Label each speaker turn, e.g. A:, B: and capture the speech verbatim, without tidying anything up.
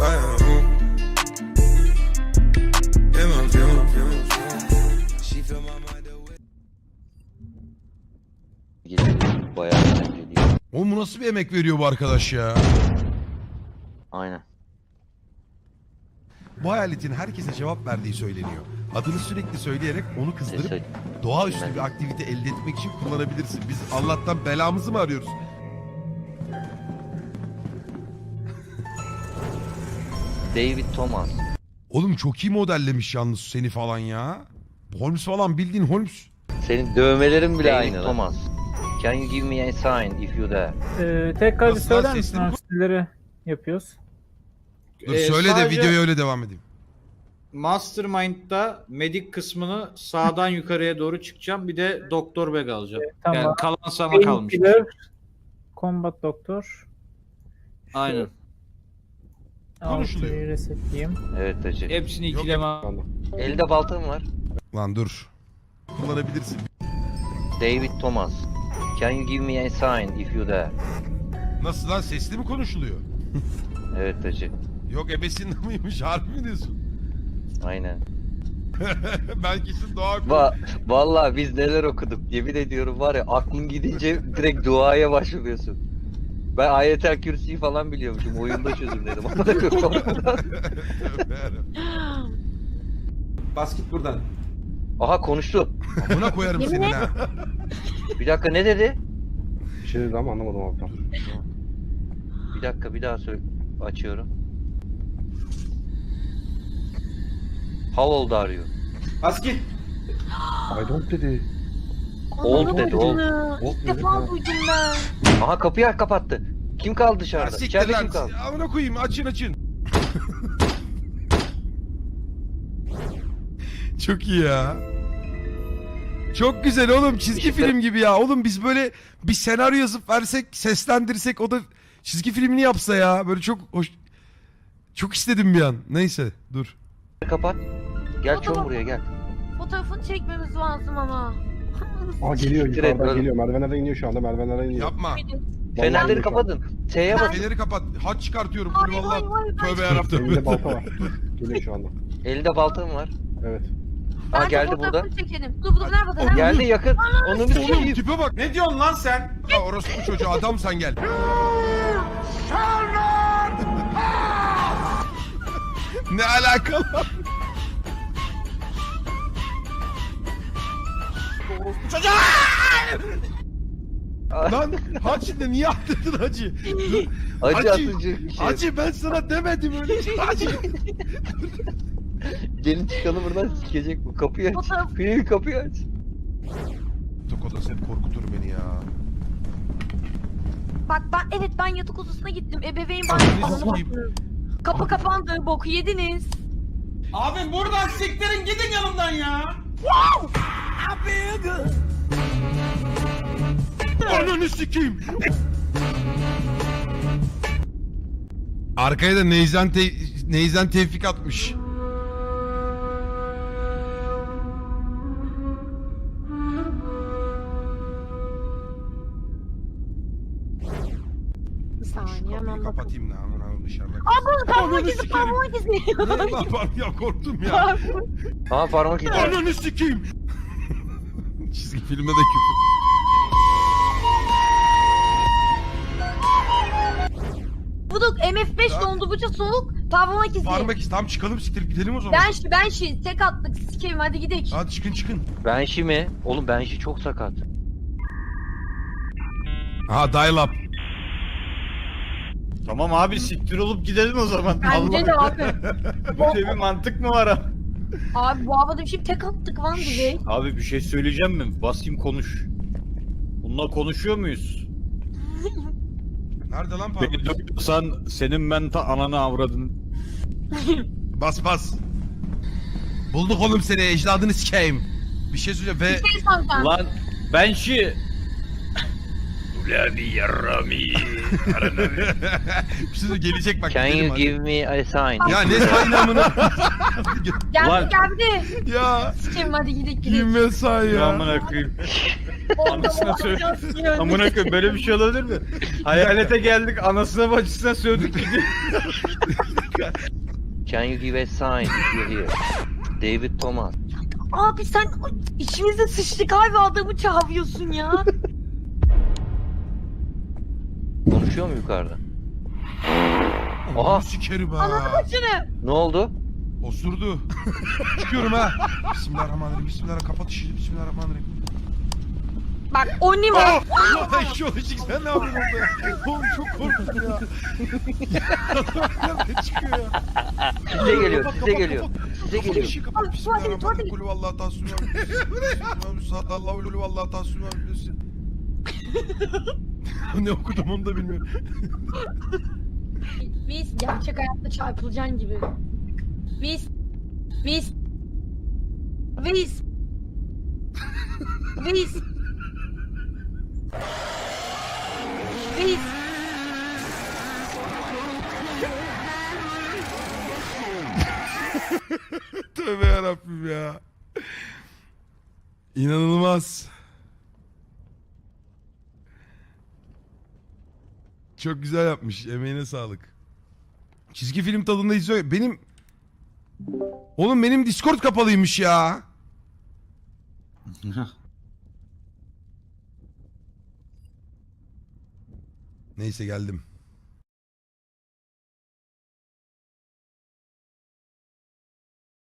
A: Bayağı eğlenceli.
B: Oğlum bu nasıl bir emek veriyor bu arkadaş ya?
A: Aynen.
B: Bu hayaletin herkese cevap verdiği söyleniyor. Adını sürekli söyleyerek onu kızdırıp
A: Neyse.
B: doğaüstü bir aktivite elde etmek için kullanabilirsin. Biz Allah'tan belamızı mı arıyoruz?
A: David Thomas.
B: Oğlum çok iyi modellemiş yalnız seni falan ya. Holmes falan bildiğin Holmes.
A: Senin dövmelerin bile
C: David
A: aynı. Thomas. Can you give me a sign if you dare?
D: Ee, tekrar bir
B: Nasıl
D: söyler
B: lan,
D: misin
B: sesini-
D: hangileri yapıyoruz?
B: Dur
C: Ee,
B: söyle de
C: sadece
B: videoya öyle devam edeyim.
C: Mastermind'da medik kısmını sağdan yukarıya doğru çıkacağım. Bir de doktor bag alacağım.
D: Tamam.
C: Yani kalan sana kalmış.
D: Painkiller, Combat Doktor.
C: Aynen.
B: Konuşuluyor.
D: Altıyı resetleyeyim.
A: Evet hacı.
C: Hepsini
B: Yok,
C: ikileme.
A: Elde baltam var.
B: Lan dur. Kullanabilirsin.
A: David Thomas. Can you give me a sign if you dare?
B: Nasıl lan, sesli mi konuşuluyor?
A: Evet hacı.
B: Yok ebesinde mıymış, harbi mi diyorsun?
A: Aynen.
B: Ben kesin doğa...
A: Va vallahi biz neler okuduk. Yemin ediyorum var ya, aklın gidince direkt duaya başlıyorsun. Ben ayetel kürsüyü falan biliyormuşum. Oyunda çözümledim.
E: Bas git buradan.
A: Aha konuştu.
B: Buna koyarım senin ha.
A: Bir dakika, ne dedi?
E: Bir şey dedi ama anlamadım abi tam.
A: Bir dakika, bir daha söyle. Açıyorum. How old are you?
E: Bas git. I don't dedi.
A: Old dedi, old.
E: Old
F: İlk
E: dedi.
F: defa
E: ha.
F: duydum ben.
A: Aha, kapıyı kapattı. Kim kaldı
B: Ya
A: dışarıda?
B: siktir
A: İçeride
B: lan.
A: kim kaldı?
B: Amına koyayım, açın açın. Çok iyi ya. Çok güzel oğlum, çizgi
A: İşte-
B: film gibi ya. Oğlum biz böyle bir senaryo yazıp versek, seslendirsek, o da çizgi filmini yapsa ya. Böyle çok hoş. Çok istedim bir an. Neyse dur.
A: Kapat. Gel çon buraya gel.
F: Fotoğrafını çekmemiz lazım ama.
E: Aa geliyor
A: Siktir et
E: yukarıdan
A: oğlum.
E: geliyor. Merdivenlerden iniyor şu anda. Merdivenlerden iniyor.
B: Yapma.
A: Fenerleri
E: geliyor şu an.
A: kapatın. T'ye bas.
B: Feneri kapat. Haç çıkartıyorum.
F: Hayır,
B: Kul
F: hayır,
B: vallahi.
F: hayır,
B: Tövbe
F: hayır.
B: yarabbim.
E: Elinde balta var. Geliyor şu anda.
A: Elinde baltam var.
E: Evet.
A: Ha,
F: Bence
A: geldi burada.
F: fotoğrafını çekelim. Dur dur, nerede?
B: Oh,
F: nerede?
A: Geldi yakın. Onu bir
B: Oğlum
A: sikeyim.
B: tipe bak.
E: Ne diyorsun lan sen?
B: Ha, orospu çocuğu, adam sen gel. Ne alakalı? Lan Hacı de niye attırdın Hacı?
A: Acı
B: Hacı,
A: atıcı bir şey.
B: Hacı ben sana demedim öyle şey. Hacı.
A: Gelin çıkalım buradan, sikecek bu. Kapıyı aç.
F: Fotoğraf-
A: Kapıyı, kapıyı aç.
B: Yatak odası hep korkutur beni ya.
F: Bak ben, evet ben yatak odasına gittim. Ebeveyn
B: Ananı
F: banyosu.
B: sikeyim.
F: Kapı kapandı. Boku yediniz.
E: Abi buradan siktirin gidin yanımdan ya.
B: Ananı sikeyim. Arkaya da Neyzen, te Neyzen Tevfik atmış.
F: Bir saniye
B: Kapıyı
F: hemen bakalım.
B: kapatayım da aman aman dışarıda.
F: Aa bu parmak
B: Ananı
F: izi,
B: sikerim.
F: parmak izi.
B: Ne lan var ya, korktum ya.
A: Aha, parmak izi.
B: Ananı sikeyim. Çizgi filmde de küfür.
F: Buduk M F beş
B: Ya.
F: dondurucu soğuk. Parmak izi.
B: Parmak izi. Tamam çıkalım, siktirip gidelim o zaman.
F: Ben şi, ben şi. Tek attık. Sikerim hadi gidelim.
B: Hadi çıkın çıkın.
A: Benşi mi? Oğlum Benşi çok sakat.
B: Aha dial up.
C: Tamam abi, siktir olup gidelim o zaman.
F: Bence de abi.
C: Böyle bir mantık mı var abi?
F: Abi bu havada bir şey tek attık lan direkt.
C: Abi bir şey söyleyeceğim mi? Basayım konuş. Bununla konuşuyor muyuz?
B: Nerede lan parmak
C: Beni
B: izi?
C: dövüyorsan senin ben ta ananı avradın.
B: Bas bas. Bulduk oğlum seni, ecdadını sikeyim. Bir şey söyleyeceğim ve...
F: Bir şey soracağım.
C: Lan ben şi... Ulan yarami.
B: bir şey söyleyeyim, gelecek bak.
A: Can
B: gidelim
A: you
B: hadi.
A: give me a sign?
B: Ya ne saynamını?
F: Geldi
C: Lan.
F: geldi.
B: Ya.
F: Sikerim hadi gidelim gidelim.
B: Giyinme say ya.
C: Amına koyayım. Anasına söyle. Amına koyayım, böyle bir şey olabilir mi? Hayalete geldik, anasına bacısına sövdük gidiyor.
A: Can you give a sign if you're here? David Thomas.
F: Abi sen içimize sıçtık abi, adamı çağırıyorsun ya.
A: Konuşuyor mu yukarıda?
B: Aha.
A: Aha.
B: Sikerim
F: Ananı
B: ha.
F: başını.
A: Ne oldu?
B: Osurdu. Çıkıyorum ha. Bismillahirrahmanirrahim. Bismillahirrahmanirrahim. Kapat işini. Bismillahirrahmanirrahim.
F: Bak o ne mi?
B: Allah eşyolojik sen ne yapıyorsun orada ya? Oğlum çok korktum ya. Nerede çıkıyor ya?
A: Size geliyor,
B: Kapat,
A: size
B: kapat,
A: geliyor.
B: kapat.
A: Size
B: Kapat
A: geliyor.
B: işi, kapat.
F: Abi,
B: Bismillahirrahmanirrahim.
F: tuvalete,
B: Kulü vallahi tasvim var. Allahu lülü vallahi tasvim var. Ne okudum onu da bilmiyorum.
F: Biz gerçek hayatta çarpılacaksın gibi. Biz biz biz biz biz
B: Tövbe yarabbim ya. İnanılmaz. Çok güzel yapmış. Emeğine sağlık. Çizgi film tadında izliyor. Benim... Oğlum benim Discord kapalıymış ya. Neyse geldim.